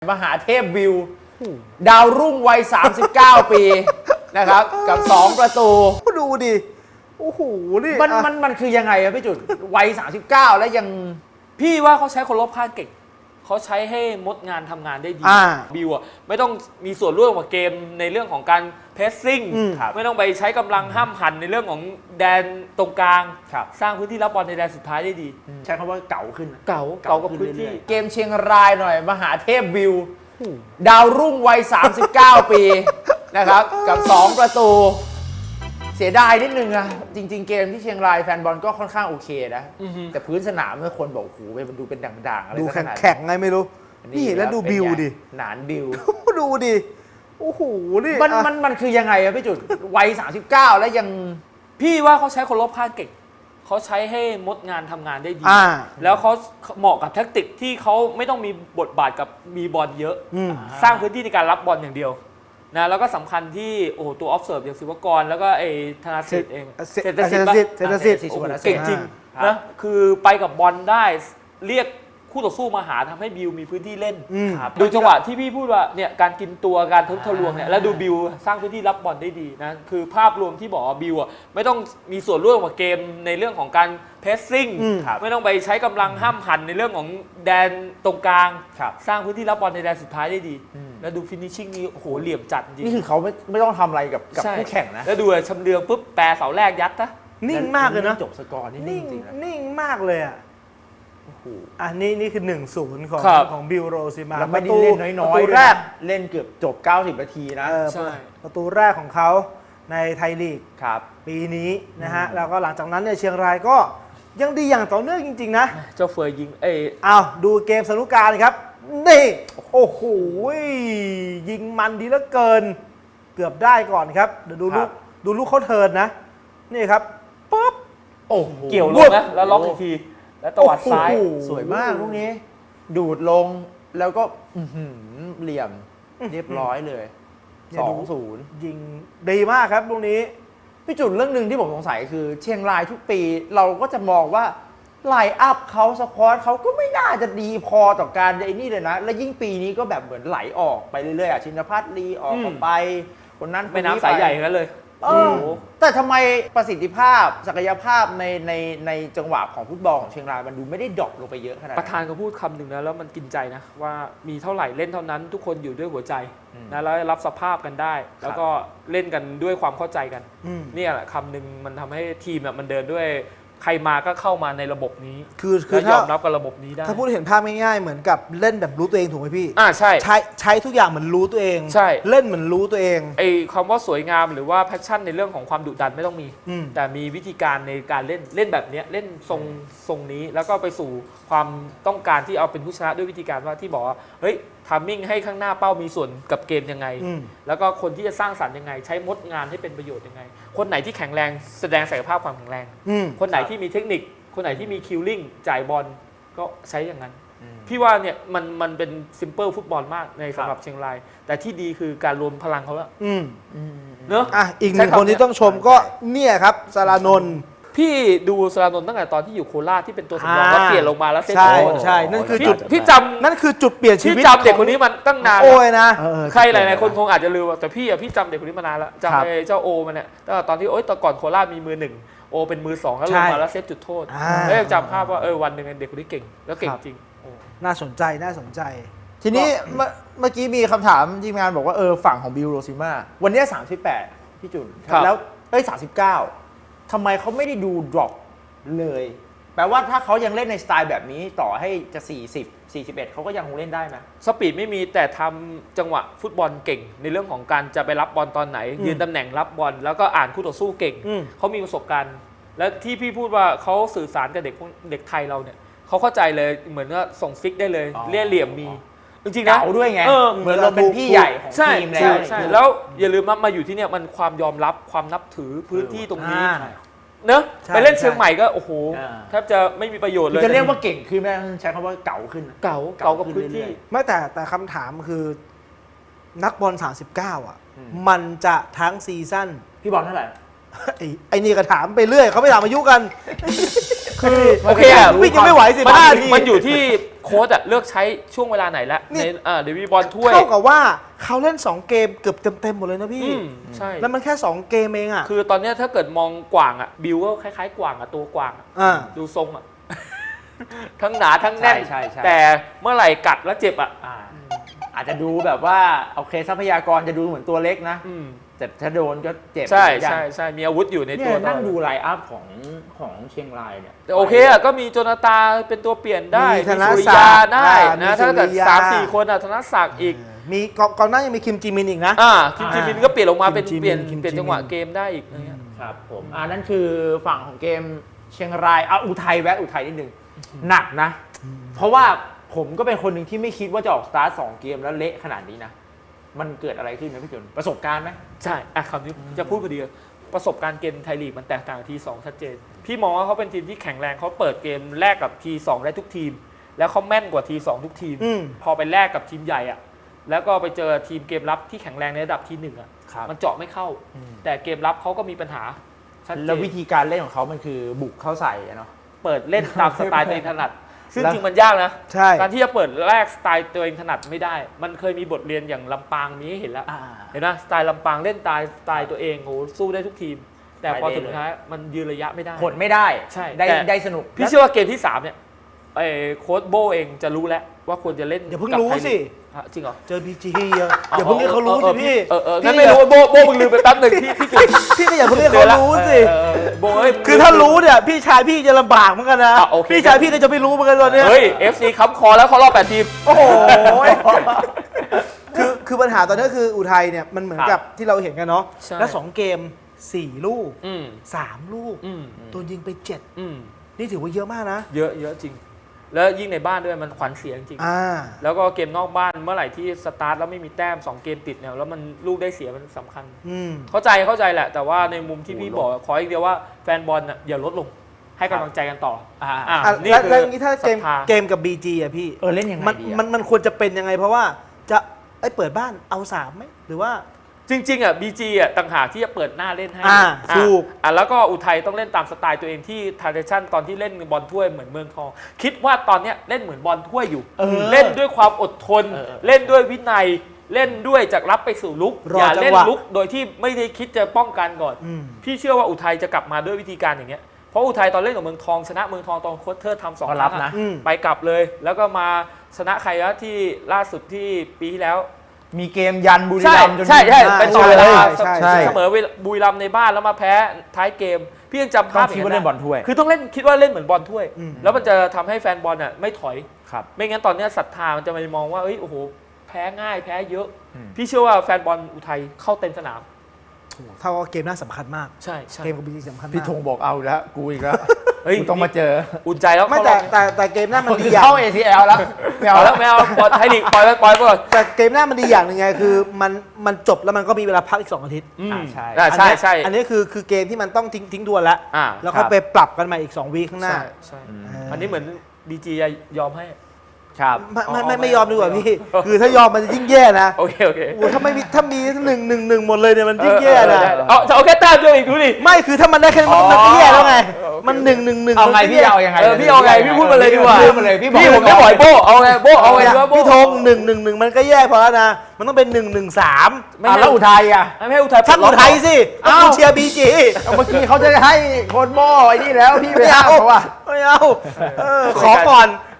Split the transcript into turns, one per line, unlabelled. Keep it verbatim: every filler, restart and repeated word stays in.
มหาเทพวิวดาวรุ่งวัยสามสิบเก้าปีนะครับกับสองประตู
ดูดิโอ้โหนี่
มันมันมันคือยังไงอะพี่จุดวัยสามสิบเก้าแล้วยัง
พี่ว่าเขาใช้คนรอบข้างเก่งเขาใช้ให้มดงานทำงานได้ดีบิวอะไม่ต้องมีส่วนร่วมกับเกมในเรื่องของการเพสซิ่งไม่ต้องไปใช้กำลังห้ามหันในเรื่องของแดนตรงกลางสร้างพื้นที่รับบอลในแดนสุดท้ายได้ดี
ใช้คำว่าเก่าขึ้น
เก่าเก่ากับพื้นที่
เกมเชียงรายหน่อยมหาเทพวิวดาวรุ่งวัยสามสิบเก้าปีนะครับกับสองประตูเสียดายนิดนึงอะจริงๆเกมที่เชียงรายแฟนบอลก็ค่อนข้างโอเคนะแต่พื้นสนามเมื่อคนบอกโอ้โหมันดูเป็นด่างๆอะไร
ดูแข็งๆไงไม่รู้นี่แล้วดูบิวดิ
หนานบิว
ดูดิโอ้โหนี่
มันมันมันคือยังไงอะพี่จุดวัยสามสิบเก้าแล้วยัง
พี่ว่าเขาใช้คนรอบข้างเก่งเขาใช้ให้มดงานทำงานได้ดีแล้วเขาเหมาะกับแทคติกที่เขาไม่ต้องมีบทบาทกับมีบอลเยอะสร้างพื้นที่ในการรับบอลอย่างเดียวนะแล้วก็สำคัญที่โอ้ตัวออฟเซิร์ฟอย่างศิวกรแล้วก็ไอ้ธนาสิทธิ์เอง
เศรษฐศิษย์เศรษฐศิษย์
เก่งจริงนะคือไปกับบอลได้เรียกคู่ต่อสู้มาหาทำให้บิวมีพื้นที่เล่นดูจังหวะที่พี่พูดว่าเนี่ยการกินตัวการทุบทะลวงเนี่ยแล้วดูบิวสร้างพื้นที่รับบอลได้ดีนะคือภาพรวมที่บอกว่าบิวอ่ะไม่ต้องมีส่วนร่วมกับเกมในเรื่องของการเพสซิ่งไม่ต้องไปใช้กำลังห้ามหันในเรื่องของแดนตรงกลางสร้างพื้นที่รับบอลในแดนสุดท้ายได้ดีแล้วดูฟินิชชิ่งนี่โอ้โหเหลี่ยมจัดจริง
นี่คือเขาไม่ไม่ต้องทำอะไรกับกับคู่แข่งนะ
แล้วดูชำเลืองปุ๊บแปรเสาแรกยัดนะ
นิ่งมากเลยนะ
จบสกอร์นี่นิ่งจริง
นิ่งมากเลยอ่ะอันนี้นี่คือ หนึ่งศูนย์ ของของบิลโรซิมา
แล้วไม่ได้เล่นน้อยๆประตูแรกเล่นเกือบจบเก้าสิบนาทีนะ
ใช่ประตูแรกของเขาในไทยลีกปีนี้นะฮะแล้วก็หลังจากนั้นเนี่ยเชียงรายก็ยังดีอย่างต่อเนื่องจริงๆนะ
เจ้าเฟยยิงเออ
อ้าวดูเกมสนุกการครับนี่โอ้โหยิงมันดีเหลือเกินเกือบได้ก่อนครับเดี๋ยวดูลูกดูลูกเขาเทิร์นนะนี่ครับปุ๊บ
โอ้เกี่ยวลงนะแล้วล็อกอีกทีแล้วตวัดซ้าย
สวยมากลูกนี้ดูดลงแล้วก็เหลี่ยมเรียบร้อยเลยสองศูนย์
ยิงดีมากครับลูกนี้
พี่จุดเรื่องหนึ่งที่ผมสงสัยคือเชียงรายทุกปีเราก็จะมองว่าไลน์อัพเขาสควอตเขาก็ไม่น่าจะดีพอต่อการไอ้นี่เลยนะและยิ่งปีนี้ก็แบบเหมือนไหลออกไปเรื่อยๆอ่ะชินภัทรลีออกไปคนนั้น
ไม่น้ำสายใหญ่กันเลย
เออแต่ทำไมประสิทธิภาพศักยภาพในในในจังหวะของฟุตบอลของเชียงรายมันดูไม่ได้ดรอปลงไปเยอะขนาดนั้น
ประธานก็พูดคำหนึ่งนะแล้วมันกินใจนะว่ามีเท่าไหร่เล่นเท่านั้นทุกคนอยู่ด้วยหัวใจนะแล้วรับสภาพกันได้แล้วก็เล่นกันด้วยความเข้าใจกันนี่แหละคำหนึ่งมันทำให้ทีมมันเดินด้วยใครมาก็เข้ามาในระบบนี้
คือคือย
อมรับกับระบบนี้ได้
ถ้าพูดเห็นภาพง่ายๆเหมือนกับเล่นแบบรู้ตัวเองถูกไหมพี่
อ่าใช่
ใช้ใช้ทุกอย่างเหมือนรู้ตัวเอง
ใช่
เล่นเหมือนรู้ตัวเอง
ไอ้คำว่าสวยงามหรือว่าแพชชั่นในเรื่องของความดุดันไม่ต้องมีแต่มีวิธีการในการเล่นเล่นแบบนี้เล่นทรงทรงนี้แล้วก็ไปสู่ความต้องการที่เอาเป็นผู้ชนะด้วยวิธีการว่าที่บอกว่าเฮ้ยทามมิ่งให้ข้างหน้าเป้ามีส่วนกับเกมยังไงแล้วก็คนที่จะสร้างสรรค์ยังไงใช้มดงานให้เป็นประโยชน์ยังไงคนไหนที่แข็งแรงแสดงศักยภาพความแข็งแรงคนไหนที่มีเทคนิคคนไหนที่มีคิลลิ่งจ่ายบอลก็ใช้อย่างนั้นพี่ว่าเนี่ยมันมันเป็นซิมเปิลฟุตบอลมากในสำหรับเชียงรายแต่ที่ดีคือการรวมพลังเขาแล้ว
เนอะอ่ะอีกหนึ่งคนที่ต้องชมก็เนี่ยครับสารานนท์
พี่ดูสารานนท์ตั้งแต่ตอนที่อยู่โคราชที่เป็นตัวสำรองแล้วเปลี่ยนลงมาแล้วเซต
ใช่ใช่นั่นคือจุด
พี่จำ
นั่นคือจุดเปลี่ยนชีวิต
พี่จำเด็กคนนี้มันตั้งนาน
โอ้ยนะ
ใครหลายๆคนคงอาจจะลืมแต่พี่อ่ะพี่จำเด็กคนนี้มานานแล้วจำเจ้าโอมันเนี่ยตั้งแต่ตอนที่โอ๊ยตอนก่อนโคราชมีมือหนึ่งโอเป็นมือสองแล้วลงมาแล้วเซตจุดโทษแล้วยังจำภาพว่าเออวันหนึ่งเด็กคนนี้เก่งแล้วเก่งจริง
น่าสนใจน่าสนใจ
ทีนี้เมื่อกี้มีคำถามทีมงานบอกว่าเออฝั่งของบิลโรซิมาวันนี้สามสิบแปดพี่จุนแล้วเอ้ยสามสิบเก้าทำไมเขาไม่ได้ดูดรอปเลยแปลว่าถ้าเขายังเล่นในสไตล์แบบนี้ต่อให้จะสี่สิบ สี่สิบเอ็ดเขาก็ยังคงเล่นได้ไหม
สปีดไม่มีแต่ทำจังหวะฟุตบอลเก่งในเรื่องของการจะไปรับบอลตอนไหนยืนตำแหน่งรับบอลแล้วก็อ่านคู่ต่อสู้เก่งเขามีประสบการณ์และที่พี่พูดว่าเขาสื่อสารกับเด็กเด็กไทยเราเนี่ยเขาเข้าใจเลยเหมือนว่าส่งฟิกได้เลยเลี่ยเหลี่ยมมีจริงๆนะ
เก่าด้วยไงเหมือนเราเป็นพี่ใหญ่ของทีมแล้ว
ใช่แล้วอย่าลืมมาอยู่ที่เนี่ยมันความยอมรับความนับถือพื้นที่ตรงนี้เนอะไปเล่นเชียงใหม่ก็โอ้โหแทบจะไม่มีประโยชน์เลย
จะเรียกว่าเก่งขึ้นไหมใช้คำว่าเก่าขึ้น
เก่าเก่ากับพื้นที่
ไม่แต่แต่คำถามคือนักบอลสามสิบเก้าอ่ะมันจะทั้งซีซั่น
พี่บอลเท่าไหร่
ไอ้นี่ก็ถามไปเรื่อยเขาไม่ถามอายุกัน
คือโอเค
วิ่งยังไม่ไหวสิบห้าที
มันอยู่ที่โค้ชอะเลือกใช้ช่วงเวลาไหนละ
นี่
ในอ่าเดวิดบอลถ้วย
เท่ากับว่าเขาเล่นสองเกมเกือบเต็มๆหมดเลยนะพี่
อืมใช่
แล้วมันแค่สองเกมเองอ่ะ
คือตอนเนี้ยถ้าเกิดมองกว่างอะบิวก็คล้ายๆกว่างอะตัวกว่างอะ
อ่า
ดูทรงอะ ทั้งหนาทั้งแน่น
ใช่ใช่
แต่เมื่อไหร่กัดแล้วเจ็บอะ
อ่าอาจจะดูแบบว่าโอเคทรัพยากรจะดูเหมือนตัวเล็กนะ
อืม
แต่ถ้าโดนก็เจ็บ
ใช่
เหมือนกัน
ใช่ใช่มีอาวุธอยู่ใน
เนี่
ตัวย ตล
นั่
อง ด
ดูไลน์อัพของของเชียงรายเนี่ย
แต่โอเคอะก็มีโจนาตาเป็นตัวเปลี่ยนได้
มีธน
สุริ
ศั
ยาก
ดิ์
ได้
อ่ามี
นะถ้าเกิด
สุริยา
สามสี่คนอะธนศักดิ์อีก
มีกองกองหน้ายังมีคิมจีมินอีกนะ
อ่าคิมจิมินก็เปลี่ยนลงมาเป็น
คิมจิมิน
เปลี่ยน
คิมจิมิน
เปลี่ยนจังหวะเกมได้อีกอะไรเงี้ย
ครับผมอ่านั่นคือฝั่งของเกมเชียงรายอ่ะอุทัยแวะอุทัยนิดนึงหนักนะ เพราะว่าผมก็เป็นคนหนึ่งที่ไม่คิดว่าจะออกสตาร์ทสองเกมแล้วเละขนาดนี้นะ มันเกิดอะไรขึ้นนะพี่จุนประสบการณ์ไหม
ใช่อ่ะคำนี้จะพูดพอดีเลยประสบการณ์เกมไทยลีกมันแตกต่างกับทีสองชัดเจน พี่มองว่าเขาเป็นทีมที่แข็งแรงเขาเปิดเกมแรกกับทีสองได้ทุกทีม แล้วเขาแม่นกว่าทีสองทุกทีม
อืม
พอไปแลกกับทีมใหญ่อะแล้วก็ไปเจอทีมเกมรับที่แข็งแรงในระดับทีหนึ่งอะ
ครับ
มันเจาะไม่เข้า แต่เกมรับเขาก็มีปัญหาชัดเจ
แล้ว
น
วิธีการเล่นของเขามันคือบุกเข้าใส่อะเนาะ
เปิดเล่นตามสไตล์ตัวเองถนัด ซึ่ง
แล้ว
จริงมันยากนะ
ใช่
การที่จะเปิดแรกสไตล์ตัวเองถนัดไม่ได้ มันเคยมีบทเรียนอย่างลำปางมีให้เห็นแล้ว
อ่า
เห็นไหมสไตล์ลำปางเล่นสไตล์สไตล์ตัวเองโอ้โหสู้ได้ทุกทีม แต่พอ
ไปได้
ถึงท้ายมันยืนระยะไม่ได้
ผลไม่ได้
ใช่
ได้
แต่
ได้สนุก
พี่เชื่อว่าเกมที่สามเนี่ยไอ้โค้ชโบเองจะรู้แล้วว่าควรจะเล่น
อย่าเพิ่ง
กับ
รู้
ไทย
สิ
ลีกฮะจริงเหรอ
เจอพีจีอย่าอย่าเพิ่งให้เขารู้สิพี่
เออเอองั้นไม่รู้โบโบมึงลืมไปแป๊บหนึ่งพี่พี่จุด
พี่ก็อย่าเพิ่งให้เขารู้สิ
เออเออโบเอ้ย
คือถ้ารู้เนี่ยพี่ชายพี่จะลำบากเหมือนกันนะ
อ่ะโอเค
พี่ชายพี่ก็จะไม่รู้เหมือนกันตอนเนี้ย
เฮ้ย เอฟ ซี ค้ำคอแล้วเขารอบแปดทีม
โอ้โห คือคือปัญหาตอนนี้คืออุทัยเนี่ยมันเหมือน
ครับ
กับที่เราเห็นกันเนาะ
ใช่
แล้วสองเกมสี่ลูก
อืม
สามลูก
อืม
โดนยิงไปเจ็ด
อืม
นี่ถือว่าเยอะมากนะ
เยอะเยอะจริง แล้วยิ่งในบ้านด้วยมันขวัญเสียจริง
อ่า
แล้วก็เกมนอกบ้านเมื่อไหร่ที่สตาร์ทแล้วไม่มีแต้มสองเกมติดเนี่ยแล้วมันลูกได้เสียมันสำคัญ
อืม
เข้าใจเข้าใจแหละ แต่ว่าในมุมที่พี่บอกขออีกเดียวว่าแฟนบอลน่ะอย่าลดลง ให้กำลังใจกันต่อ
อ่า
อ่ะ
อ่ะ
นี่
แล้ว
คือ
แล้วอย่างนี้ถ้าเกม
ศรัทธา
เกมกับ บี จี อ่ะพี่
เออเล่นยังไง
มัน
ดีอะ
มันมันควรจะเป็นยังไง เพราะว่าจะไอ้ยเปิดบ้านเอาสามไหมหรือว่า
จริงๆอ่ะ บี จี อ่ะต่างหากที่จะเปิดหน้าเล่นให้
อ่า
อ่ะ
ถูก
อ่ะแล้วก็อุทัยต้องเล่นตามสไตล์ตัวเองที่ทาร์เดชั่นตอนที่เล่นบอลถ้วยเหมือนเมืองทอง คิดว่าตอนเนี้ยเล่นเหมือนบอลถ้วยอยู่
เออ
เล่นด้วยความอดทน
เออเออ
เล่นด้วยวินัย เล่นด้วยจากรับไปสู่ลุก
รอ
อย่าเล่น
จังหวะ
ลุกโดยที่ไม่ได้คิดจะป้องกันก่อน
อืม
พี่เชื่อว่าอุทัยจะกลับมาด้วยวิธีการอย่างเงี้ย เพราะอุทัยตอนเล่นกับเมืองทองชนะเมืองทองตอนโค้ชเทอร์ทำสอง
ก็
ค
รั
รั้
บ
ง
นะ
อะ
อืม
ไปกลับเลย แล้วก็มาชนะใครวะที่ล่าสุดที่ปีที่แล้ว
มีเกมยันบุรี
ใช่
รัมย์จน
ใช่ใช่
ใช่
ไปต่อเวลา
ใช่ใช่
เสมอบุรีรัมย์ในบ้านแล้วมาแพ้ท้ายเกม พี่ยังจำภาพ
ต้องคิดว่าเล่นบอลถ้วย
คือต้องเล่นคิดว่าเล่นเหมือนบอลถ้วย
อืม
แล้วมันจะทำให้แฟนบอลอ่ะไม่ถอย
ครับ
ไม่งั้นตอนเนี้ยศรัทธามันจะไปมองว่าเอ้ยโอ้โหแพ้ง่ายแพ้เยอะ
อืม
พี่เชื่อว่าแฟนบอลอุทัยเข้าเต็มสนาม
โอ้โหเท่ากับเกมน่าสำคัญมาก
ใช่ใช่
เกมกับ บี จี สำคัญมาก
พี่ธงบอกเอาอีกแล้ว กูอีกแล้ว
เฮ้ย
กูต้องมาเจอ
อุ่นใจแล้ว
ไม่
เข้าร
แต่
อบ
แต่แต่เกมหน้ามันดี
คือ
อย่าง
เข้า เอ ซี แอล แล้วไม่
เอา
เอา
แล้
แล้ว ว
ไม่เอาปล่อยไทยลีกปล่อยไปปล่อยไปก่อน
แต่เกมหน้ามันดีอย่างหนึ่งไงคือมันมันจบแล้วมันก็มีเวลาพักอีกสองอาทิตย์
อืม
อ่าใช่
อ่าใช่ใช่
อันนี้คือคือเกมที่มันต้องทิ้งทิ้งทวนแล้ว
อ่า
แล้วก็ไปปรับกันใหม่อีกสองวีคข้างหน้า
ใช่ใช่
อืม
อันนี้เหมือนบีจียอมให้
ครับ
ไม่ไม่
อ๋อ
ไม่
ไม่
ไม่ยอมดีกว่า
ไม่
พี่
ยอม
คือถ้ายอมมันจะยิ่งแย่นะ
โอเคโอเค
โอ้โหถ้าไม่มีถ้ามีหนึ่งหนึ่งหนึ่งหมดเลยเนี่ยมันยิ่งแย่
เออ
นะ
เออได้เอาจะเอาแค่แต้มเดียวอีกดูดิ
ไม่คือถ้ามันได้แค่นี้มัน
อ๋อ
มันก็แย่แล้วไง
เออโอเค
มันหนึ่งหนึ่งหนึ่ง
เอาไง
มันก็
พี่
แย่
เอายังไง
เออพี่เอาไงพี่พูดมาเลยดีกว่า
พูดมาเลยพี่บอก
พี่ผมไม่ปล่อยโบเอาไงโบเอาไงดีวะโบ
พี่ธงหนึ่งหนึ่งหนึ่งมันก็แย่พอแล้วนะ มันต้องเป็นหนึ่งหนึ่งสาม
ไม่
อ่ะ
ให้
แล้วอุทัยอ่ะ
ไม่ให้อุทัย
ช่างอุทัยสิต้อง
อ้าว
กูเชียร์บีจี
เอาเมื่อกี้เขาจะให้โค้ชโบไอ้นี่แล้วพี่ไป
ไม่
ห้า
เอา
มเขาว่า
ไม่เอาเออขอก่อน